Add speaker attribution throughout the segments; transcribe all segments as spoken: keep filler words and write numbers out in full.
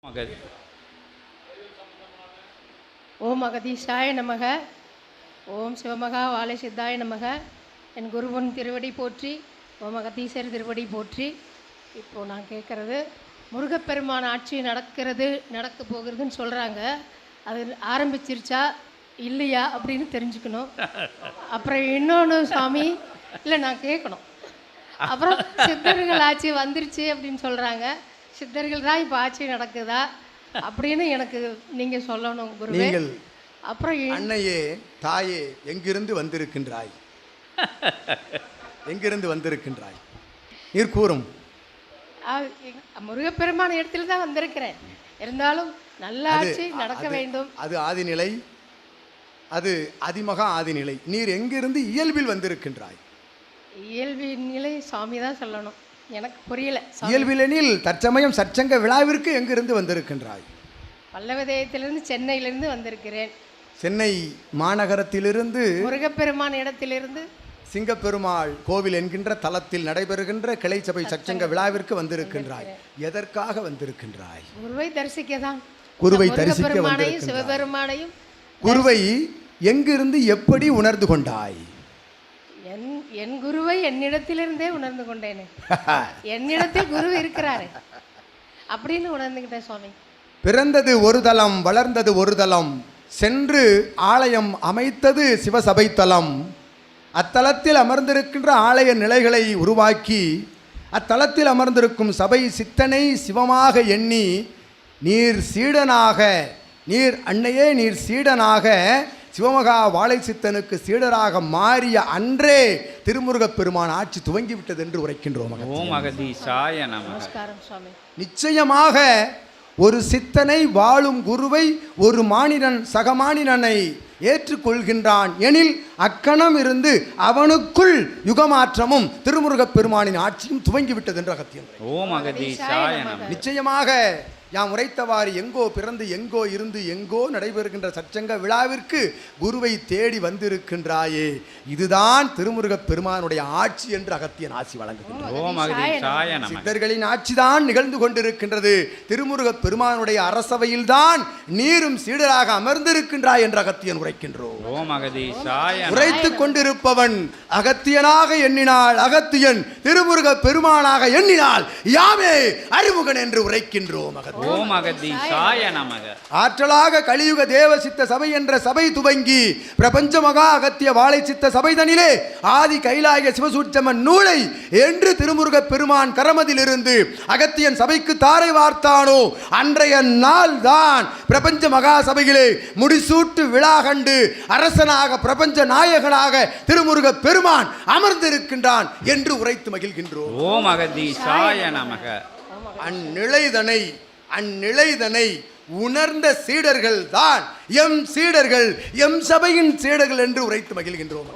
Speaker 1: மகதி.
Speaker 2: ஓம் அகதீஷாய நமக. ஓம் சிவமகா வாழை சித்தாய நமக. என் குருவன் திருவடி போற்றி, ஓம் அகதீசர் திருவடி போற்றி. இப்போது நான் கேட்குறது, முருகப்பெருமான் ஆட்சி நடக்கிறது நடக்க போகிறதுன்னு சொல்கிறாங்க. அது ஆரம்பிச்சிருச்சா இல்லையா அப்படின்னு தெரிஞ்சுக்கணும். அப்புறம் இன்னொன்று சாமி, இல்லை நான் கேட்கணும். அப்புறம் சித்தர்கள் ஆட்சி வந்துருச்சு அப்படின்னு சொல்கிறாங்க. சித்தர்கள் தான் இப்போ ஆட்சி நடக்குதா அப்படின்னு எனக்கு நீங்கள் சொல்லணும் குருவே.
Speaker 3: நீங்கள்
Speaker 2: அப்புறம்
Speaker 3: அன்னையே தாயே எங்கிருந்து வந்திருக்கின்றாய்? எங்கிருந்து வந்திருக்கின்றாய் நீர் கூறும்.
Speaker 2: முருகப்பெருமான இடத்துல தான் வந்திருக்கிறேன். இருந்தாலும் நல்ல ஆட்சி நடக்க வேண்டும்.
Speaker 3: அது ஆதிநிலை, அது அதிமகா ஆதிநிலை. நீர் எங்கிருந்து இயல்பில் வந்திருக்கின்றாய்?
Speaker 2: இயல்பின் நிலை சாமி தான் சொல்லணும், எனக்கு புரியல.
Speaker 3: இயல்பிலெனில் தற்சமயம் சற்சங்க விழாவிற்கு எங்கிருந்து வந்திருக்கின்றாய்?
Speaker 2: பல்லவதேயத்திலிருந்து சென்னையிலிருந்து வந்திருக்கிறேன்.
Speaker 3: சென்னை மாநகரத்திலிருந்து
Speaker 2: முருகப்பெருமான் இடத்திலிருந்து
Speaker 3: சிங்கப்பெருமாள் கோவில் என்கின்ற தலத்தில் நடைபெறுகின்ற கிளை சபை சச்சங்க விழாவிற்கு வந்திருக்கின்றாய். எதற்காக வந்திருக்கின்றாய்?
Speaker 2: குருவை தரிசிக்க தான்.
Speaker 3: குருவை தரிசிக்க
Speaker 2: வந்திருக்கின்றாய். சிவபெருமானையும்.
Speaker 3: குருவை எங்கிருந்து எப்படி உணர்ந்து கொண்டாய்?
Speaker 2: என் என் குருவை என்னிடத்திலிருந்தே உணர்ந்து கொண்டேனே. என்னிடத்தில் குரு இருக்கிறாரு அப்படின்னு உணர்ந்துகிட்டேன் சுவாமி.
Speaker 3: பிறந்தது ஒரு தலம், வளர்ந்தது ஒரு தலம், சென்று ஆலயம் அமைத்தது சிவசபை தலம். அத்தலத்தில் அமர்ந்திருக்கின்ற ஆலய நிலைகளை உருவாக்கி அத்தலத்தில் அமர்ந்திருக்கும் சபை சித்தனை சிவமாக எண்ணி நீர் சீடனாக, நீர் அன்னையே நீர் சீடனாக சிவமகா வாழை சித்தனுக்கு சீடராக மாறிய அன்றே திருமுருகப் பெருமான் ஆட்சி துவங்கிவிட்டது என்று உரைக்கின்றோம். நிச்சயமாக ஒரு சித்தனை, வாழும் குருவை ஒரு மானிடன் சக மானிடனை ஏற்றுக்கொள்கின்றான் எனில் அக்கணம் இருந்து அவனுக்குள் யுகமாற்றமும் திருமுருகப் பெருமானின் ஆட்சியும் துவங்கிவிட்டது என்று அகத்தியன். நிச்சயமாக யாம் உரைத்தவாறு எங்கோ பிறந்து எங்கோ இருந்து எங்கோ நடைபெறுகின்ற சச்சங்க விழாவிற்கு குருவை தேடி வந்திருக்கின்றாயே, இதுதான் திருமுருகப் பெருமானுடைய ஆட்சி என்று அகத்தியன் ஆசி வழங்குகின்றார். சித்தர்களின் ஆட்சிதான் நிகழ்ந்து கொண்டிருக்கின்றது. திருமுருகப் பெருமானுடைய அரசவையில் தான் நீரும் சீடராக அமர்ந்திருக்கின்றாய் என்று அகத்தியன் உரைக்கின்றோம். உரைத்துக் கொண்டிருப்பவன் அகத்தியனாக எண்ணினால் அகத்தியன், திருமுருகப் பெருமானாக எண்ணினால் யாமே அறிமுகன் என்று உரைக்கின்றோம். ஆற்றலாக கலியுக தேவ சித்த சபை என்ற சபை துவங்கி பிரபஞ்ச மகா அகத்திய வாழை சித்த சபைதனிலே ஆதி கைலாய சிவசூட்சமன் நூலை என்று திருமுருகப் பெருமான் கரமதிலிருந்து அகத்தியன் சபைக்கு தாரை வார்த்தானோ அன்றைய நாள் தான் பிரபஞ்ச மகா சபையிலே முடிசூட்டு விழா கண்டு அரசனாக பிரபஞ்ச நாயகனாக திருமுருகப் பெருமான் அமர்ந்திருக்கின்றான் என்று உரைத்து மகிழ்கின்றோம். அந்நிலைதனை அந்நிலைதனை உணர்ந்த சீடர்கள் தான் எம் சீடர்கள், எம் சபையின் சீடர்கள் என்று உரைத்து மகிழ்கின்றோம்.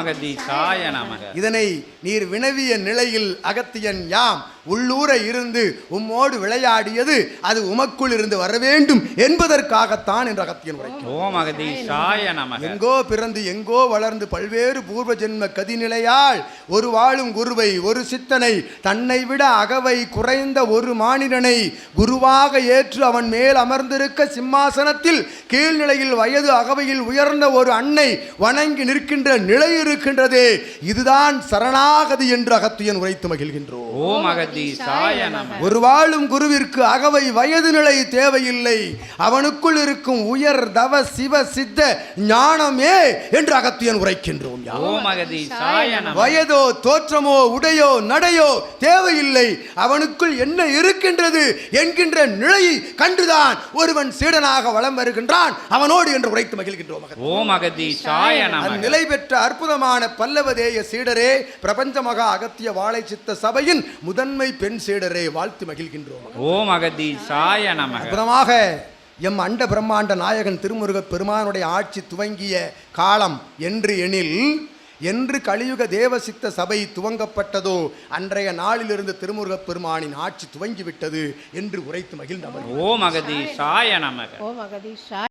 Speaker 3: இதனை நீர் வினவிய நிலையில் அகத்தியன் யாம் உள்ளூர இருந்து உம்மோடு விளையாடியது அது உமக்குள் இருந்து வர வேண்டும் என்பதற்காகத்தான் என்று அகத்தியன் உரைக்கின்றார். எங்கோ பிறந்து எங்கோ வளர்ந்து பல்வேறு பூர்வ ஜென்ம கதிநிலையால் ஒரு வாழும் குருவை, ஒரு சித்தனை, தன்னை விட அகவை குறைந்த ஒரு மானிடனை குருவாக ஏற்று அவன் மேல் அமர்ந்திருக்க சிம்மாசனத்தில் கீழ்நிலையில் வயது அகவையில் உயர்ந்த ஒரு அன்னை வணங்கி நிற்கின்ற நிலை இருக்கின்றதே, இதுதான் சரணாகதி என்று அகத்தியன் உரைத்து மகிழ்கின்றோம். ஒரு வாழும் குருவிற்கு அகவை வயது நிலை தேவையில்லை, அவனுக்குள் இருக்கும் உயர் தவ சிவ சித்த ஞானமே என்று அகத்தியன் உரைக்கின்றோம். வயதோ தோற்றமோ உடையோ நடையோ தேவையில்லை, அவனுக்குள் என்ன இருக்கின்றது என்கின்ற நிலையை கண்டுதான் ஒருவன் சீடனாக வலம் வருகின்றான் அவனோடு என்று உரைத்து மகிழ்கின்றோம். நிலை பெற்ற அற்புதமான பல்லவதேய சீடரே, பிரபஞ்ச மகா அகத்திய வாழை சித்த சபையின் முதன்மை பெண் சீடரே, வாழ்த்து மகிழ்கின்றோம். அற்புதமாக எம் அண்ட பிரம்மாண்ட நாயகன் திருமுருகப் பெருமானுடைய ஆட்சி துவங்கிய காலம் என்று எனில், என்று கலியுக தேவசித்த சபை துவங்கப்பட்டதோ அன்றைய நாளிலிருந்து திருமுருகப் பெருமானின் ஆட்சி துவங்கிவிட்டது என்று உரைத்து மகிழ்ந்தவர்.